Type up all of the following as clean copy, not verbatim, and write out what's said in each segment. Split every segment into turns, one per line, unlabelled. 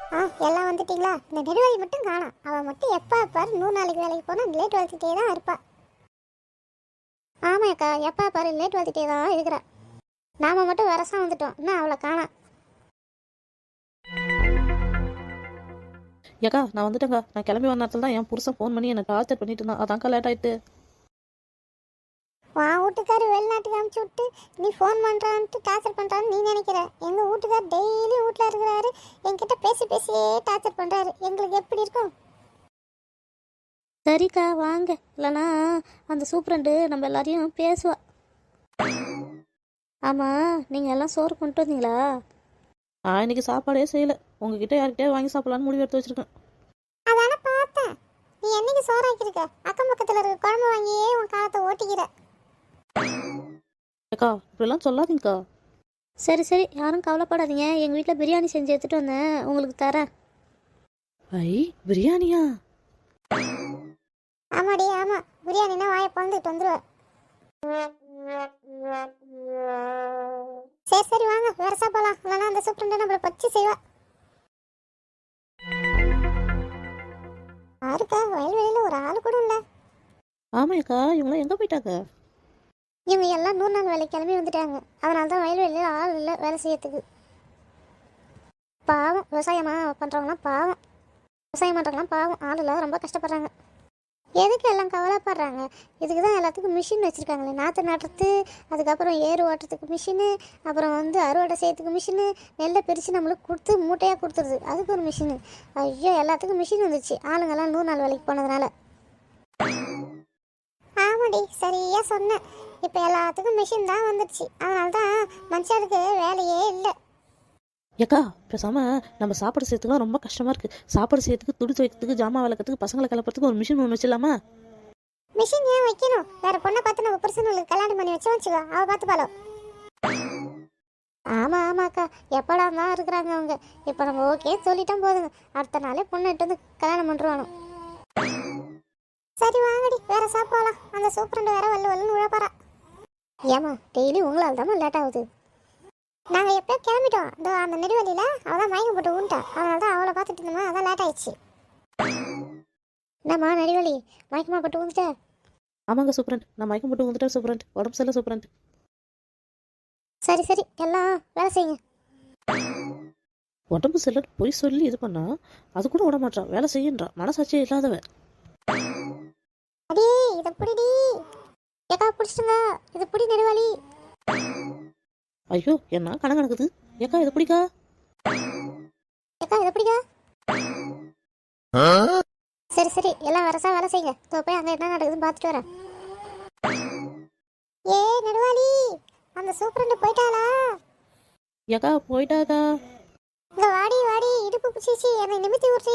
எல்லாம் வந்துட்டீங்களா? இந்த நெடுவாளி மட்டும் காணோம். அவள் மட்டும் எப்போ பாரு 100 நாளைக்கு வேலைக்கு போனால் லேட் வளர்த்துட்டே தான் இருப்பா. ஆமாக்கா, எப்போ பாரு லேட் வளர்த்துட்டே தான் இருக்கிறா. நாம மட்டும் வரசா வந்துட்டோம், இன்னும் அவளை காணோம்.
ஏக்கா நான் வந்துட்டேங்க. நான் கிளம்பி வந்த நேரத்தில் தான் என் புருஷன் ஃபோன் பண்ணி என்னை டார்ச்சர் பண்ணிட்டு இருந்தான். அதான்க்கா லேட் ஆயிட்டு.
உன் வீட்டுக்காரு வெளிநாட்டுக்கு அனுப்பிச்சி விட்டு நீ ஃபோன் பண்ணுறான்ட்டு டார்ச்சர் பண்ணுறான்னு நீ நினைக்கிற. எங்கள் வீட்டுக்கார் டெய்லி வீட்டில் இருக்கிறாரு, என்கிட்ட பேசி பேசியே டார்ச்சர் பண்ணுறாரு. எங்களுக்கு எப்படி இருக்கும்?
சரிக்கா வாங்க, இல்லைனா அந்த சூப்பரண்டு நம்ம எல்லாரையும் பேசுவா. ஆமாம், நீங்கள் எல்லாம் சோறு கொண்டு வந்தீங்களா?
நான் இன்னைக்கு சாப்பாடே செய்யலை. உங்ககிட்ட யார்கிட்டயே வாங்கி சாப்பிடலான்னு முடிவு எடுத்து வச்சிருக்கேன்.
அதானே பார்த்தேன். நீ என்னைக்கு சோறாக்கியிருக்க? அக்கம் பக்கத்தில் இருக்க குழம்பு வாங்கியே உன் காலத்தை ஓட்டிக்கிற.
ஏக்கா இப்படிலாம் சொல்லாதீங்கக்கா.
சரி சரி, யாரும் கவலைப்படாதீங்க. எங்கள் வீட்டில் பிரியாணி செஞ்சு எடுத்துகிட்டு வந்தேன், உங்களுக்கு தரேன்.
ஐ பிரியாணியா?
ஆமாடி ஆமாம், பிரியாணினா வாயை பழந்துட்டு வந்துடுவேன். சரி சரி வாங்க, வேற சாப்பிடலாம். இல்லைனா அந்த சூப்பரண்டை நம்மளை பச்சு செய்வா. யாருக்கா வயல்வெளியில் ஒரு ஆள் கூட இல்லை.
ஆமாக்கா, இவங்களாம் எங்கே போயிட்டாங்க?
இவங்க எல்லாம் 100 நாள் வேலைக்கு கிளம்பி வந்துட்டாங்க. அதனால தான் வயல்வெளியில் ஆள் இல்லை வேலை செய்யறதுக்கு. பாவம் விவசாயமா பண்ணுறவங்களாம் பாவம். விவசாயம் பண்ணுறவங்களாம் பாவம், ஆள் இல்லாத ரொம்ப கஷ்டப்படுறாங்க. எதுக்கு எல்லாம் கவலைப்படுறாங்க? இதுக்கு தான் எல்லாத்துக்கும் மிஷின் வச்சுருக்காங்களே. நாற்று நடுறது, அதுக்கப்புறம் ஏறு ஓட்டுறதுக்கு மிஷினு, அப்புறம் அறுவடை செய்யறதுக்கு மிஷினு, நெல்லை பிரித்து நம்மளுக்கு கொடுத்து மூட்டையாக கொடுத்துருது, அதுக்கு ஒரு மிஷினு. ஐயோ, எல்லாத்துக்கும் மிஷின் வந்துச்சு ஆளுங்கெல்லாம் 100 நாள் வேலைக்கு போனதுனால. ஆமாடி, சரியா சொன்னேன். இப்போ எல்லாத்துக்கும் மிஷின் தான் வந்துடுச்சு. அதனால தான் மனுஷனுக்கு வேலையே இல்லை.
ஏக்கா பேசாம நம்ம சாப்பாடு செய்யறதுக்குலாம் ரொம்ப கஷ்டமா இருக்கு. சாப்பாடு செய்யறதுக்கு, துணி துவைக்கிறதுக்கு, ஜாமான் விளக்கிறதுக்கு, பசங்களை கிளப்புறதுக்கு ஒரு மிஷின் ஒன்று வச்சிடலாமா?
மிஷின் ஏன் வைக்கணும்? வேற பொண்ணை பார்த்து நம்ம புருஷனுக்கு கல்யாணம் பண்ணி வச்சுக்கோ, அவ பார்த்து பாலோ. ஆமாம் ஆமாக்கா, எப்படா தான் இருக்கிறாங்க அவங்க. இப்போ நம்ம ஓகே சொல்லிட்டோம் போதுங்க, அடுத்த நாளே பொண்ணு இட்டு வந்து கல்யாணம் பண்ணுறானோ. சரி வாங்கடி, வேற சாப்பிடலாம். அந்த சூப்பரண்டு வேற வல்லுன்னு உழப்பாரா. ஏமா டெய்லி உங்களால் தான் லேட் ஆகுது. நாங்கள் எப்போ கிளம்பிட்டோம். அந்த நெடுவழியில் அவள் தான் மயக்கம் போட்டு ஊன்ட்டா. அதனால தான் அவளை பார்த்துட்டு இருந்தோமா, அதான் லேட் ஆயிடுச்சு. என்னம்மா நெடுவழி, மயக்கமாக போட்டு ஊந்துட்ட?
ஆமாங்க சூப்பரண்ட், நான் மயக்கம் போட்டு வந்துட்டேன் சூப்பரண்ட். உடம்பு சரியில்லை சூப்பரண்ட்.
சரி சரி, எல்லாம் வேலை செய்யுங்க.
உடம்பு சரியில்லை போய் சொல்லி இது பண்ணா அது கூட விட மாட்டான், வேலை செய்யன்றா. மனசாட்சியே இல்லாதவ.
அடி இதை பிடிடி. ஏக்கா பிடிச்சிட்டுங்க, இது பிடி நெடுவாளி.
ஐயோ என்ன கணக்குது. ஏக்கா இதை பிடிக்கா.
ஏக்கா இதை பிடிக்கா. சரி சரி, எல்லாம் வரசா வேலை செய்யுங்க. போய் அங்கே என்ன நடக்குதுன்னு பார்த்துட்டு வரேன். ஏ நெடுவாளி, அந்த சூப்பரண்டு போயிட்டாளா?
ஏக்கா போயிட்டாக்கா.
இந்த வாடி வாடி, இடுப்பு பிடிச்சி என்னை நிமித்தி விட்றி.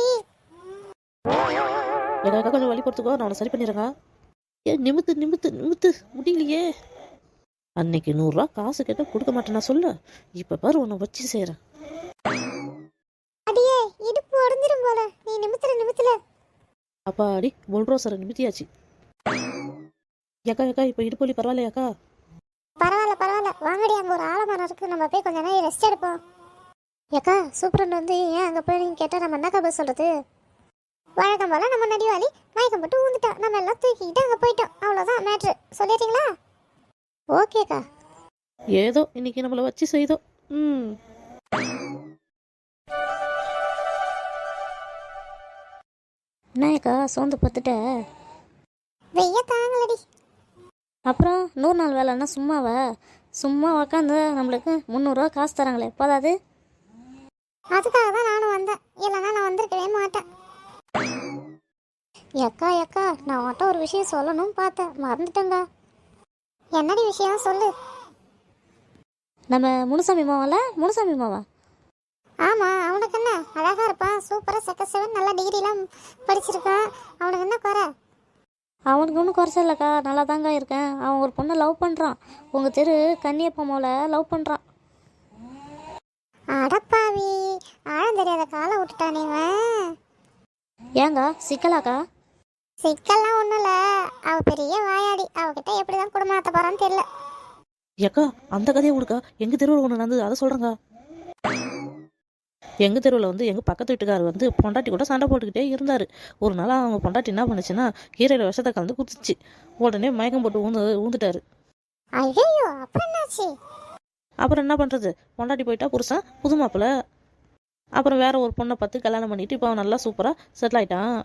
ஏக்கா கொஞ்சம் வழி பொறுத்துக்கோ, நான் உன்னை சரி பண்ணிடுறேங்க. நிமித்து நிமித்து நிமித்து முடியலையே. அன்னைக்கு 100 ரூபா காசு கேட்டால் கொடுக்க மாட்டேன் நான் சொல்ல. இப்போ பாரு உன்னை வச்சு செய்கிறேன்.
அடியே, இடுப்பு உடஞ்சிரும் போல, நீ நிமித்துல.
அப்பாடி புல்ரோசரை நிமித்தியாச்சு. ஏக்கா ஏக்கா இப்போ இடுப்பு வலி பரவாயில்லையாக்கா?
பரவாயில்ல, வாங்கடி. அங்கே ஒரு ஆலமரம் இருக்கு, நம்ம போய் கொஞ்ச நேரம் ரெஸ்ட் எடுப்போம். ஏக்கா சூப்பரண்டு ஏன் அங்கே போய் நீங்கள் கேட்டால் நம்ம என்னக்கா போய் சொல்கிறது? வழக்கம் போல நம்ம நடிவாளி மயக்கம் போட்டு ஊந்துட்டா. நம்ம எல்லாம் தூக்கிக்கிட்டு அங்கே போயிட்டோம். அவ்வளோதான் மேட்ரு. சொல்லிட்டீங்களா? ஓகேக்கா.
ஏதோ இன்னைக்கு நம்மளை வச்சு செய்தோம்.
என்னக்கா சோர்ந்து பார்த்துட்ட?
வெய்ய தாங்களடி.
அப்புறம் 100 நாள் வேலைன்னா சும்மாவா? சும்மா உக்காந்து நம்மளுக்கு 300 ரூபா காசு தராங்களே, போதாது?
அதுக்காக தான் நானும் வந்தேன், இல்லைன்னா நான் வந்திருக்கவே மாட்டேன். ஏக்கா நான் உன்கிட்ட ஒரு விஷயம் சொல்லணும்னு பார்த்தேன், மறந்துட்டேங்க. என்னடி விஷயம் சொல்லு.
நம்ம முனுசாமி மாவா?
ஆமாம், அவனுக்கு என்ன, அழகாக இருப்பான், சூப்பராக செக்கசவன், நல்லா டிகிரிலாம் படிச்சிருக்கான். அவனுக்கு என்ன குறை?
அவனுக்கு ஒன்றும் குறைச்ச இல்லைக்கா, நல்லா தாங்க இருக்கேன். அவன் ஒரு பொண்ணை லவ் பண்ணுறான். உங்கள் தெரு கன்னியப்பம்மாவில் லவ் பண்ணுறான்.
அடப்பாவி, ஆழம் தெரியாத காலை விட்டுட்டானே இவன்.
ஏங்க சிக்கலாக்கா?
சிக்கல்லாம் ஒன்றும் இல்லை, அவள் பெரிய வாயாடி. அவகிட்ட எப்படி தான் குடும்பம் நடத்த போகிறான்னு தெரியல.
ஏக்கா அந்த கதையை கொடுக்கா, எங்கள் தெருவில் ஒன்று நடந்தது, அதை சொல்கிறேங்க. எங்கள் தெருவில் வந்து எங்கள் பக்கத்து வீட்டுக்காரர் வந்து பொண்டாட்டி கூட சண்டை போட்டுக்கிட்டே இருந்தார். ஒரு நாள் அவங்க பொண்டாட்டி என்ன பண்ணுச்சுன்னா கீரையில் விஷத்தை கலந்து குடிச்சிச்சு. உடனே மயக்கம் போட்டு ஊந்துட்டாரு.
ஐயோ, அப்புறம் என்னாச்சு?
அப்புறம் என்ன பண்ணுறது, பொண்டாட்டி போயிட்டா புருஷன் புது மாப்பிள்ள. அப்புறம் வேற ஒரு பொண்ணை பார்த்து கல்யாணம் பண்ணிட்டு இப்போ அவன் நல்லா சூப்பராக செட்டில் ஆயிட்டான்.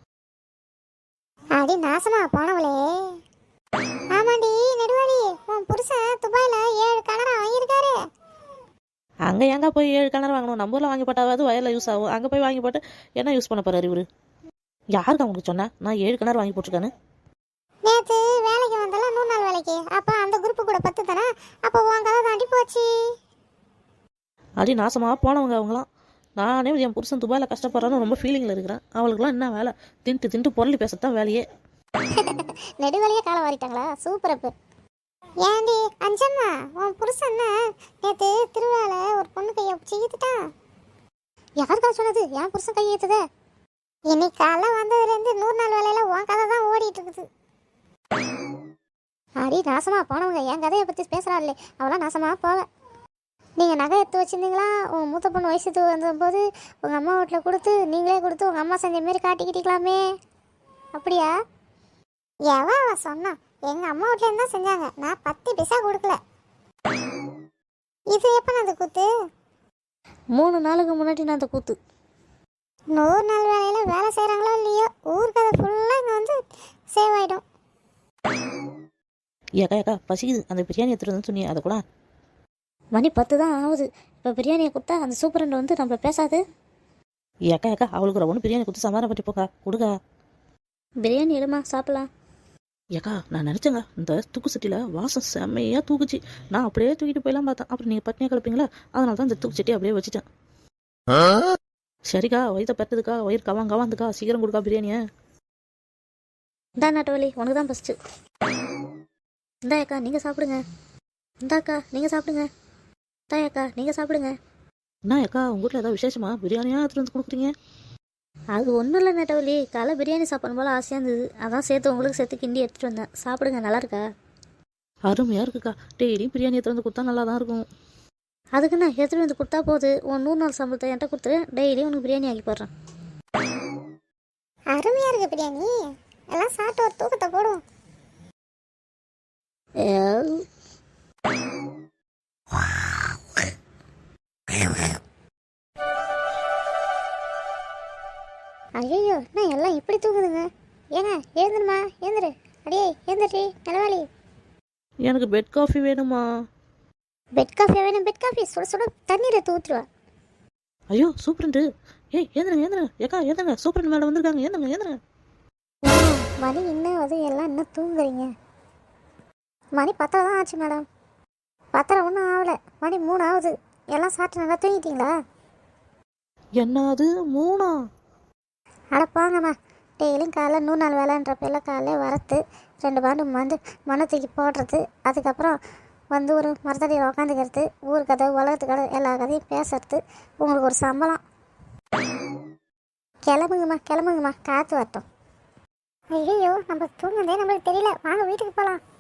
அடி நாசமா போனவளே. ஆமாண்டி நெடுவாளி, உன் புருஷன் துபாயில 7 கனரா வாங்கியிருக்காரு.
அங்கே ஏங்க போய் 7 கிணறு வாங்கணும், நம்ம ஊரில் வாங்கி போட்டாவது வயலில் யூஸ் ஆகும். அங்கே போய் வாங்கி போட்டு என்ன யூஸ் பண்ண போறாரு இவரு? யாருக்கு அவங்களுக்கு சொன்னேன் நான் 7 கிணறு வாங்கி போட்டிருக்கானு?
நேத்து வேலைக்கு வந்தால 100 நாள் வேலைக்கு, அப்ப அந்த குரூப் கூட 10 தானே, அப்ப உன் கதை தாண்டி போச்சு.
அடி நாசமாக போனவங்க அவங்களாம். நானே என் புருஷன் துபாயில் கஷ்டப்படுறான்னு ரொம்ப ஃபீலிங்கில் இருக்கிறேன். அவளுக்குலாம் என்ன வேலை? திண்டு பொருளி பேசத்தான் வேலையே.
நெடுவழியே காலை வாரிட்டாங்களா? சூப்பர். அப்ப ஏண்டி அஞ்சம்மா, உன் புருஷன் நேத்து திருவிழால ஒரு பொண்ணு கையை செய்துட்டான். யாருக்கா சொன்னது? என் புருஷன் கையை ஏத்துதே. இன்னைக்கு காலை வந்ததுலேருந்து 100 நாள் வேலையில உன் கதை தான் ஓடிட்டு இருக்குது. அடி நாசமா போனவங்க என் கதையை பற்றி பேசுகிறாள்லே, அவளாம் நாசமாக போவ. நீங்கள் நகை எடுத்து வச்சுருந்தீங்களா? உங்கள் மூத்த பொண்ணு வயசுக்கு வந்தபோது உங்கள் அம்மா வீட்டில் கொடுத்து நீங்களே கொடுத்து உங்கள் அம்மா செஞ்ச மாரி காட்டிக்கிட்டீங்களாமே, அப்படியா? எவா அவ சொன்னா? எங்கள் அம்மா வீட்லேருந்து தான் செஞ்சாங்க, நான் 10 பைசா கொடுக்கல. இது எப்போ நான் அந்த கூத்து?
3 நாளுக்கு முன்னாடி நான் அந்த கூத்து.
100 நாள் வேலையில் வேலை செய்கிறாங்களோ இல்லையோ, ஊர் கதை ஃபுல்லாக இங்கே வந்து சேவ் ஆகிடும்.
ஏக்கா பசிக்குது, அந்த பிரியாணி எடுத்துருன்னு சொன்னி அதை கூட.
மணி 10 தான் ஆகுது. இப்போ பிரியாணியை கொடுத்தா அந்த சூப்பரண்ட் வந்து நம்மள பேசாது.
ஏக்கா அவளுக்கு ஒரு ஒன்று பிரியாணி கொடுத்து சமாதானம் பண்ணி போக்கா, கொடுக்கா.
பிரியாணி எடுமா சாப்பிடலாம்.
ஏக்கா நான் நினச்சேங்க இந்த தூக்கு சட்டியில் வாசம் செம்மையாக தூக்குச்சு. நான் அப்படியே தூக்கிட்டு போயெல்லாம் பார்த்தேன். அப்புறம் நீங்கள் பட்னியாக கிளப்பீங்களா, அதனால தான் இந்த தூக்கு சட்டி அப்படியே வச்சுட்டேன். சரிக்கா, வயிற்ற பத்துதுக்கா, வயிறு கவாந்துக்கா, சீக்கிரம் கொடுக்கா பிரியாணியை.
இந்தா நாட்டவலி, உனக்கு தான் ஃபஸ்ட்டு. இந்தா அக்கா நீங்கள் சாப்பிடுங்க. இந்தாக்கா நீங்கள் சாப்பிடுங்க. இந்தா அக்கா நீங்கள் சாப்பிடுங்க.
என்ன ஏக்கா உங்கள் வீட்டில் ஏதாவது விசேஷமா பிரியாணியாக எடுத்துகிட்டு வந்து கொடுக்குறீங்க?
அது ஒன்றும் இல்லை நெட்டவலி, காலை பிரியாணி சாப்பிடணும் போல் ஆசையாக இருந்தது, அதான் சேர்த்து உங்களுக்கு சேர்த்து கிண்டி எடுத்துகிட்டு வந்தேன். சாப்பிடுங்க, நல்லா இருக்கா?
அருமையாக இருக்குக்கா. டெய்லியும் பிரியாணி எடுத்துகிட்டு வந்து கொடுத்தா நல்லா தான் இருக்கும்.
அதுக்கு நான் எடுத்துகிட்டு வந்து கொடுத்தா போகுது. உன் 100 நாள் சம்பளத்தை என்கிட்ட கொடுத்து டெய்லியும் உனக்கு பிரியாணி ஆக்கி போடுறேன்.
அருமையாக இருக்கு பிரியாணி. எல்லாம் சாப்பிட்டு ஒரு தூக்கத்தை போடுவோம். ஐயோ, நான் எல்லாம் இப்படி தூங்குதுங்க. ஏங்க எழுந்துருமா, எழுந்துரு. அடியே எழுந்துரு நிலவாளி.
எனக்கு பெட் காஃபி வேணுமா?
பெட் காஃபி வேணும்? பெட் காஃபி சுட சுட தண்ணீரை ஊற்றுவா.
ஐயோ சூப்பரண்டு. ஏய் ஏந்துருங்க ஏக்கா ஏந்துங்க, சூப்பரண்ட் மேடம் வந்திருக்காங்க, ஏந்துங்க.
மணி இன்னும் அது எல்லாம் இன்னும் தூங்குறீங்க? மணி 10 தான் ஆச்சு மேடம். 10 ஒன்றும் ஆகலை, மணி 3 ஆகுது. எல்லாம் சாப்பிட்டு நல்லா தூங்கிட்டீங்களா?
என்ன அது 3?
அடப்பாங்கம்மா, டெய்லியும் காலைல 100 நாள் வேலைன்ற பேரில் காலையில வரத்து 2 பாண்டு மண்ணை தூக்கி போடுறது, அதுக்கப்புறம் வந்து ஒரு மரத்தடியில் உக்காந்துக்கிறது, ஊர் கதை உலகத்து கதை எல்லா கதையும் பேசுறது, உங்களுக்கு ஒரு சம்பளம். கிளம்புங்கம்மா காற்று வரட்டும். ஐயோ, நம்ம தூங்குனதே நம்மளுக்கு தெரியல. வாங்க வீட்டுக்கு போகலாம்.